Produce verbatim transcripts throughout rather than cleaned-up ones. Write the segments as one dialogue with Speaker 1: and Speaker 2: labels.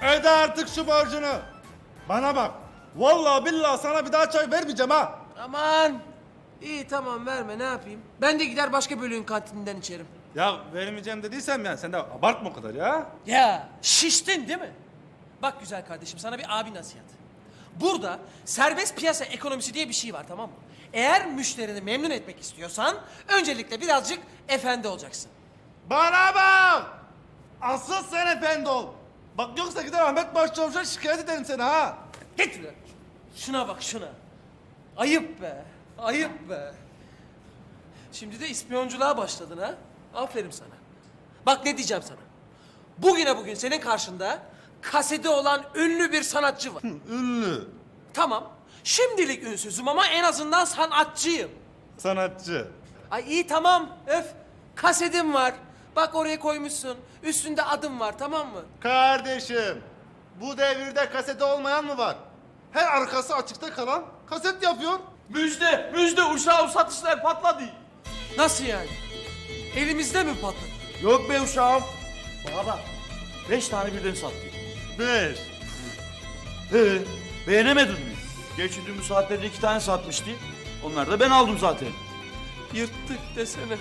Speaker 1: Öde artık şu borcunu. Bana bak. Vallahi billahi sana bir daha çay vermeyeceğim ha.
Speaker 2: Aman. İyi tamam verme ne yapayım. Ben de gider başka bölüğün kantininden içerim.
Speaker 1: Ya vermeyeceğim dediysem ya sen de abartma o kadar ya.
Speaker 2: Ya şiştin değil mi? Bak güzel kardeşim sana bir abi nasihat. Burada serbest piyasa ekonomisi diye bir şey var tamam mı? Eğer müşterini memnun etmek istiyorsan öncelikle birazcık efendi olacaksın.
Speaker 1: Bana bak. Asıl sen efendi ol. Bak yoksa gider Ahmet Başçavuş'a şikayet ederim seni ha.
Speaker 2: Git lan. Şuna bak şuna. Ayıp be. Ayıp be. Şimdi de ispiyonculuğa başladın ha. Aferin sana. Bak ne diyeceğim sana. Bugüne bugün senin karşında kaseti olan ünlü bir sanatçı var.
Speaker 1: Ünlü.
Speaker 2: Tamam. Şimdilik ünsüzüm ama en azından sanatçıyım.
Speaker 1: Sanatçı.
Speaker 2: Ay iyi tamam. Öf. Kasetim var. Bak oraya koymuşsun. Üstünde adım var tamam mı?
Speaker 1: Kardeşim. Bu devirde kaseti olmayan mı var? Her arkası açıkta kalan kaset yapıyor.
Speaker 3: Müjde, müjde uşağım satışlar patladı.
Speaker 2: Nasıl yani? Elimizde mi patladı?
Speaker 3: Yok be uşağım. Bana bak. Beş tane birden sattı.
Speaker 1: Beş.
Speaker 3: He, beğenemedin mi? Geçtiğimiz saatlerde iki tane satmıştı. Onları da ben aldım zaten.
Speaker 2: Yırttık desene.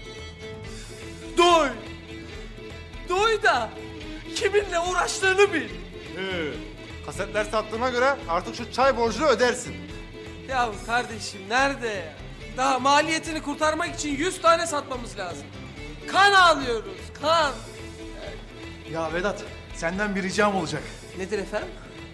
Speaker 2: Duy. Duy da kiminle uğraştığını bil.
Speaker 1: He. Kasetler sattığına göre artık şu çay borcunu ödersin.
Speaker 2: Ya kardeşim nerede ya? Daha maliyetini kurtarmak için yüz tane satmamız lazım. Kan alıyoruz, kan.
Speaker 4: Ya Vedat, senden bir ricam olacak.
Speaker 2: Nedir efendim?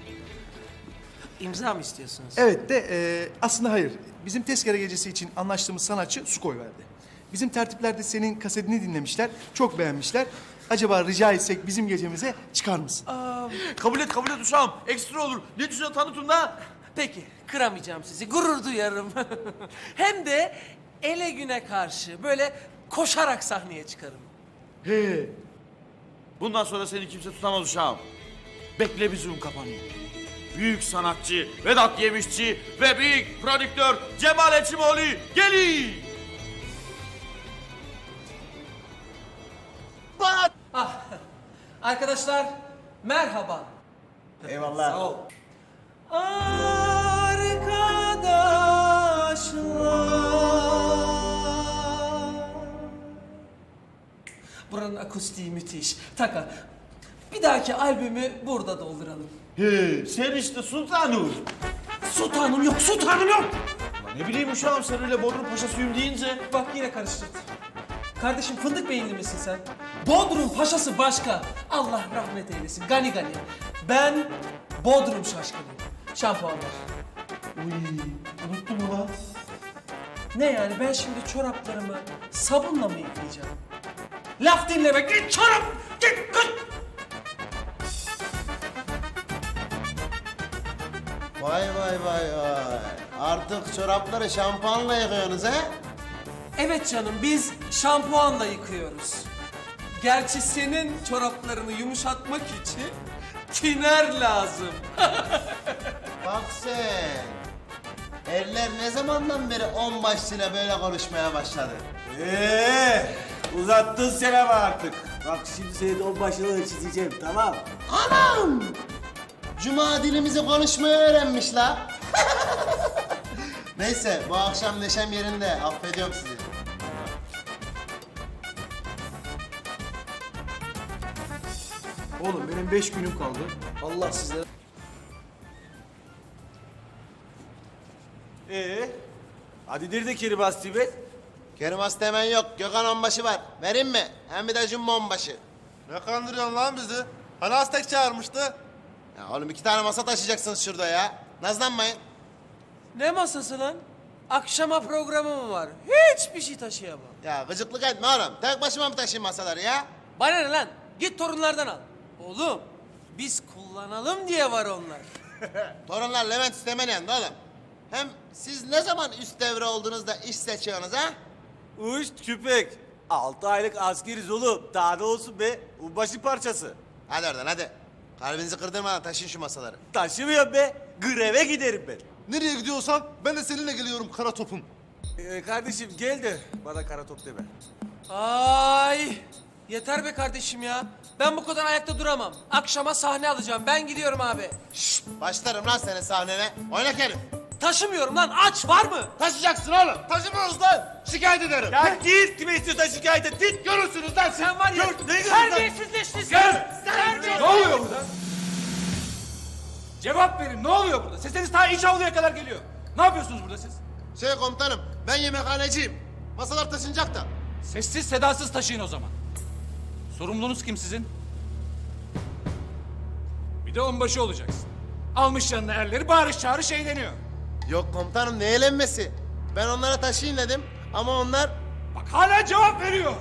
Speaker 2: İmza mı istiyorsunuz?
Speaker 4: Evet de e, aslında hayır. Bizim tezkere gecesi için anlaştığımız sanatçı su koyverdi. Bizim tertiplerde senin kasetini dinlemişler, çok beğenmişler. Acaba rica etsek bizim gecemize çıkar mısın?
Speaker 3: Kabul et, kabul et uşağım. Ekstra olur. Ne düşünüyorsun tanıtın da?
Speaker 2: Peki, kıramayacağım sizi, gurur duyarım. Hem de ele güne karşı böyle koşarak sahneye çıkarım.
Speaker 4: He.
Speaker 3: Bundan sonra seni kimse tutamaz uşağım. Bekle bizim kapanıyor. Büyük sanatçı Vedat Yemişçi ve büyük prodüktör Cemal Eçimoğlu geliyor.
Speaker 2: Ah, arkadaşlar merhaba.
Speaker 5: Eyvallah.
Speaker 2: Sağ ol. Arkadaşlar. Buranın akustiği müthiş. Taka. Bir dahaki albümü burada dolduralım.
Speaker 3: He, sen işte sultanım.
Speaker 2: Sultanım yok, sultanım yok.
Speaker 3: Lan ne bileyim uşağım sen öyle Bodrum Paşasıyım deyince.
Speaker 2: Bak yine karıştırdın. Kardeşim fındık beyinli misin sen? Bodrum paşası başka. Allah rahmet eylesin. Gani gani. Ben Bodrum şaşkınıyım. Şampuanlar.
Speaker 3: Uy, unuttum ulan.
Speaker 2: Ne yani ben şimdi çoraplarımı sabunla mı yıkayacağım? Laf dinleme. Git çorap. Git. Git.
Speaker 5: Vay vay vay vay. Artık çorapları şampuanla yıkıyorsunuz he?
Speaker 2: Evet canım biz şampuanla yıkıyoruz. Gerçi senin çoraplarını yumuşatmak için tiner lazım.
Speaker 5: Bak sen. Eller ne zamandan beri on başlıyla böyle konuşmaya başladı?
Speaker 6: Ee, uzattın sen ama artık. Bak şimdi senin on başını çizeceğim, tamam?
Speaker 5: Anam! Cuma dilimizi konuşmayı öğrenmiş la. Neyse bu akşam neşem yerinde. Affediyorum sizi.
Speaker 4: Oğlum benim beş günüm kaldı. Allah sizlere...
Speaker 6: Ee, hadi nerede Kerim be?
Speaker 5: Kerim hasta hemen yok. Gökhan onbaşı var. Vereyim mi? Hem bir de Jumbo onbaşı.
Speaker 1: Ne kandırıyorsun lan bizi? Hani Aztek çağırmıştı?
Speaker 5: Ya oğlum iki tane masa taşıyacaksınız şurada ya. Nazlanmayın.
Speaker 2: Ne masası lan? Akşama programım var. Hiçbir şey taşıyamam.
Speaker 5: Ya gıcıklık etme oğlum. Tek başıma mı taşıyayım masaları ya?
Speaker 2: Bana ne lan? Git torunlardan al. Oğlum biz kullanalım diye var onlar.
Speaker 5: Torunlar Levent istemeyen de oğlum. Hem siz ne zaman üst devre olduğunuzda iş seçiyorsunuz ha?
Speaker 6: Uş küpek. Altı aylık askeriz oğlum. Daha ne olsun be? Ubaşı parçası.
Speaker 5: Hadi oradan hadi. Kalbinizi kırdırmadan taşıyın şu masaları.
Speaker 6: Taşımıyorum be. Greve giderim ben.
Speaker 1: Nereye gidiyorsan ben de seninle geliyorum kara topum.
Speaker 6: Ee, kardeşim gel de bana kara top deme.
Speaker 2: Ay yeter be kardeşim ya. Ben bu kadar ayakta duramam. Akşama sahne alacağım. Ben gidiyorum abi.
Speaker 5: Başlarım lan senin sahnene. Oynak herif.
Speaker 2: Taşımıyorum lan. Aç var mı?
Speaker 1: Taşıyacaksın oğlum. Taşımıyoruz lan. Şikayet ederim.
Speaker 6: Ya git kime istiyorsan şikayet et. Git.
Speaker 1: Görürsünüz lan siz.
Speaker 2: Sen var ya.
Speaker 1: Gör, ne görürsün lan?
Speaker 2: Terbiyesizleştin sen.
Speaker 7: Ne oluyor burada? Cevap verin. Ne oluyor burada? Sesiniz ta iç avluya kadar geliyor. Ne yapıyorsunuz burada siz?
Speaker 1: Şey komutanım, ben yemekhaneciyim. Masalar taşınacak da.
Speaker 7: Sessiz sedasız taşıyın o zaman. Sorumlunuz kim sizin? Bir de onbaşı olacaksın. Almış yanına erleri bağırış çağırış eğleniyor.
Speaker 5: Yok komutanım ne eğlenmesi. Ben onlara taşıyın dedim ama onlar...
Speaker 7: Bak hala cevap veriyor.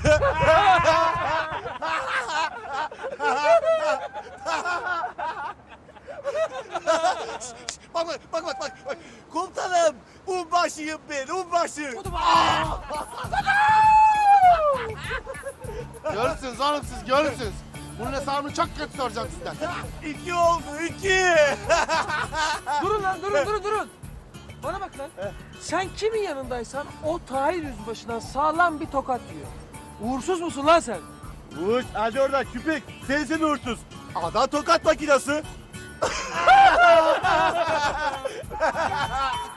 Speaker 6: Bak bak bak bak bak. bak. Komutanım. Unbaşıyım ben. Unbaşı.
Speaker 1: Görürsünüz oğlum siz, görürsünüz. Bunun hesabını çok kötü soracağım sizden.
Speaker 6: İki oldu. iki.
Speaker 2: Durun lan durun durun durun. Bana bak lan. Sen kimin yanındaysan o Tahir Yüzbaşı'dan sağlam bir tokat yiyor. Uğursuz musun lan sen?
Speaker 6: Uç hadi oradan küpek. Sensin uğursuz. Adam tokat makinası.